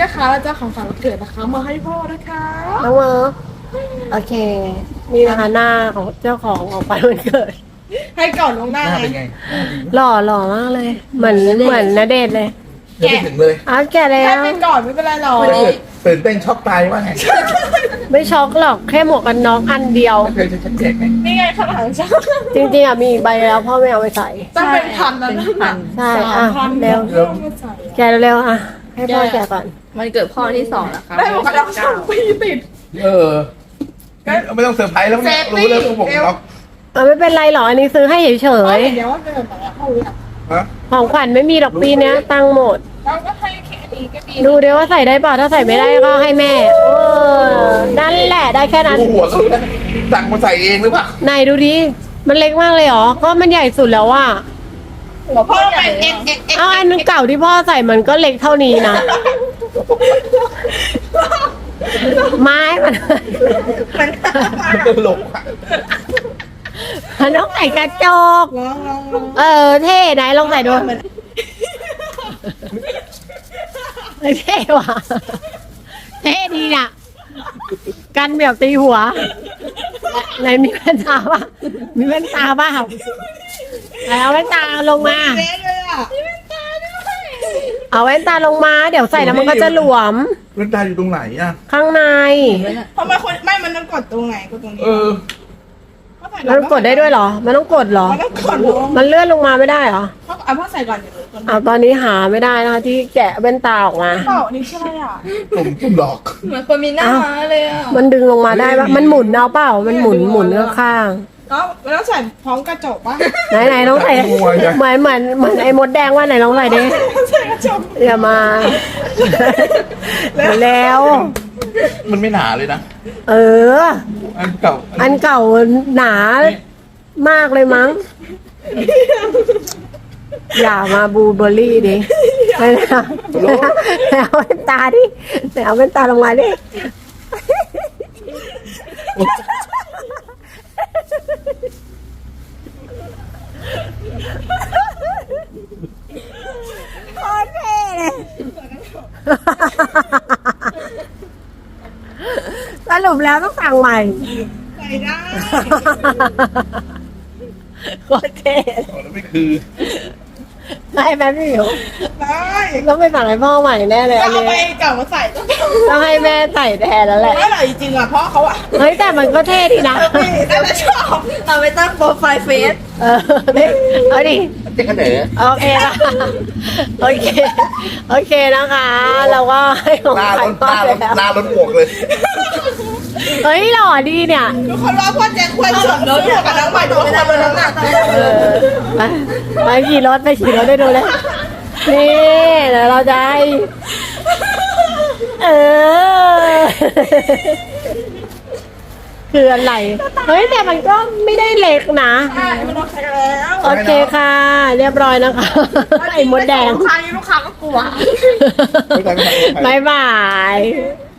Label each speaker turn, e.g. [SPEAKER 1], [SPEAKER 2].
[SPEAKER 1] นะคะเราจะของขวัญวันเกิดนะคะมาให้พ่อนะคะ
[SPEAKER 2] น้องเมอโอเค นี่นะคะหน้าของเจ้าของไปวันเกิด
[SPEAKER 1] ให้ก่อนลวงหน้า
[SPEAKER 3] หน้า
[SPEAKER 1] ไง
[SPEAKER 3] เป็นไง
[SPEAKER 2] หล่อมากเลย เหมือนณเดชน์เลย
[SPEAKER 3] ยังไม่ถึงเลย
[SPEAKER 2] อ้าวแกแล้
[SPEAKER 1] ให้
[SPEAKER 2] ว
[SPEAKER 1] ไปก่อนไม่เป็นไรหรอก
[SPEAKER 3] ถ้าเกิดตื่นเต้นช็อกตายว่าไง
[SPEAKER 2] ไม่ช็อกหรอกแค่หมวกกันน็อกอันเดียว
[SPEAKER 3] ไม่เคยจะชัดเจนไง
[SPEAKER 1] นี่ไงข้างหลังฉัน
[SPEAKER 2] จริงๆอ่ะมีอีกใบแล้วพ่อไม่เอาไปใส่
[SPEAKER 1] ต้องเป็นพันแล้วนะ
[SPEAKER 2] ใช่
[SPEAKER 1] สาม
[SPEAKER 2] อ่ะ
[SPEAKER 1] พัน
[SPEAKER 2] เร็ว
[SPEAKER 1] ต้องมาใส่
[SPEAKER 2] แกเร็วๆอ่ะให้พ่อแกก่อน
[SPEAKER 4] มันเกิดพ่อที่2แล้วครับ
[SPEAKER 1] ได้หมดแล้วสองปีติด
[SPEAKER 3] เออไม่ต้องเซอร์ไพรส์แล้วเนี่ย
[SPEAKER 1] เซฟตี้
[SPEAKER 3] รู้แล้วกูบอกล็อก
[SPEAKER 2] ไม่เป็นไรหรอกอันนี้ซื้อให้เฉ
[SPEAKER 1] เฮ้
[SPEAKER 2] ย
[SPEAKER 1] เดี๋ยวว่าเดินไปแล้วเขาเนี่ย
[SPEAKER 3] ฮะ
[SPEAKER 2] ๆของขวัญไม่มีดอกปีเนี้ยตังค์หมด
[SPEAKER 1] เราก็ให้แค่นี้ก็ดี
[SPEAKER 2] ดูเดี๋ยวว่าใส่ได้เปล่าถ้าใส่ไม่ได้ก็ให้แม่นั่นแหละได้แค่นั้น
[SPEAKER 3] กูหัวสุดแล้วสั่งมาใส่เองหรือเปล่า
[SPEAKER 2] ไหนดูดิมันเล็กมากเลยเหรอก็มันใหญ่สุดแล้วว่ะ
[SPEAKER 1] หัวพ่อเป็นเอ็กเอ็กเอ็ก
[SPEAKER 2] เอาอันเก่าที่พ่อใส่มันก็เล็กเท่านี้นะไม้มัน
[SPEAKER 3] มันตลกอะ
[SPEAKER 2] มันต้องใส่กระจก
[SPEAKER 1] ลอง
[SPEAKER 2] เท่ไหนลองใส่ดูเท่ว่ะเท่ดีน่ะ กันแบบตีหัวไหนมีแว่นตาป่ะมีแว่นตาป่ะไหนเอาแว่นตาลงมา
[SPEAKER 1] เละเลยอ่ะ
[SPEAKER 2] เอาแว่นตาลงมา เดี๋ยวใส่แล้วมันก็จะหลวม
[SPEAKER 3] เล่นตาอยู่ตรงไหนอ่ะ
[SPEAKER 2] ข้างใน
[SPEAKER 1] ทำไมคนไม่มันต้องกดตรงไหนกดตรงนี้
[SPEAKER 3] เออ
[SPEAKER 2] มันกดได้ด้วยเหรอ มันต้องกดเหรอ
[SPEAKER 1] มันต้องกดลง
[SPEAKER 2] มันเลื่อนลงมาไม่ได้เหรอ
[SPEAKER 1] เอาพ่อใส่ก่อนเดี๋ยวกด
[SPEAKER 2] เอาตอนนี้หาไม่ได้นะคะที่แกะแว่นตาออกมา
[SPEAKER 1] เปล่านี่ใช่อ่ะ
[SPEAKER 3] ผมหลอก
[SPEAKER 4] เหมือนคนมีหน้าม้าเลยอ่ะ
[SPEAKER 2] มันดึงลงมาได้ปะมันหมุนเอาเปล่า มันหมุนข้าง
[SPEAKER 1] แล้วใส่พร้อมกระจกป่ะ
[SPEAKER 2] ๆไหนน้องใส่เหมือนไอ้มดแดงว่าไหนลองใส่ดิ
[SPEAKER 1] ใส่กระจก
[SPEAKER 2] อย่ามาแล้ว
[SPEAKER 3] มันไม่หนาเลยนะ
[SPEAKER 2] เออ
[SPEAKER 3] อันเก่า
[SPEAKER 2] อันเก่าหนามากเลยมั้ง อย่ามาบูเบอร์รี่ดิไปแล้วเอาแว่นตาดิเอาแว่นตาลงมาดิโคตรเท่เลยสรุปแล้วต้องสั่งใหม่
[SPEAKER 1] ใส่ได้
[SPEAKER 2] โคตรเท่เลย
[SPEAKER 3] แล้วไม่คือ
[SPEAKER 2] ได้ไหมพี่หมิว
[SPEAKER 1] ได้
[SPEAKER 2] ต้องไปสั่งให้พ่อใหม่แน่เลย
[SPEAKER 1] ก็
[SPEAKER 2] อัน
[SPEAKER 1] เอา
[SPEAKER 2] นี้
[SPEAKER 1] ไปเก่ามาใส่ต้อง
[SPEAKER 2] ต้องให้แม่ใส่แทนแล้วแหละ
[SPEAKER 1] ไม่อร่อยจริงอ่ะเพราะเขาอ่ะ
[SPEAKER 2] เฮ้ยแต่มันก็เท่ดีนะ
[SPEAKER 1] แต่ละชอบ
[SPEAKER 4] เอาไปตั้งโปรไฟล์เฟซ
[SPEAKER 2] เออนี่เอาดิ
[SPEAKER 3] เจ๊กระเด๋อ
[SPEAKER 2] โอเคนะโอเคโอเคนะคะ เราก็ให้ของ
[SPEAKER 3] หน้า
[SPEAKER 2] ขวั
[SPEAKER 3] ล้
[SPEAKER 2] ญ
[SPEAKER 3] น
[SPEAKER 2] พ่อแล้ว
[SPEAKER 3] หน้าล้นหมวกเลย
[SPEAKER 2] เฮ้ยหล่อดีเนี่ย
[SPEAKER 1] ทุกคนว่าพ่อแจ็คควรสวมรถกับน้องใหม่ตัวไม่ได้บนน้ำหนัก
[SPEAKER 2] เออไปขี่รถได้ดูเลยนี่เดี๋ยวเราจะให้เออคืออะไรเฮ้ยแต่มันก็ไม่ได้เล็กนะ
[SPEAKER 1] ใช่มันโอเคแล้ว
[SPEAKER 2] โอเคค่ะ เรียบร้อยนะคะไอ้มดแดง
[SPEAKER 1] ลูกค้าก็กลัว
[SPEAKER 3] ไม่ได้ไม่ได้
[SPEAKER 2] บายบาย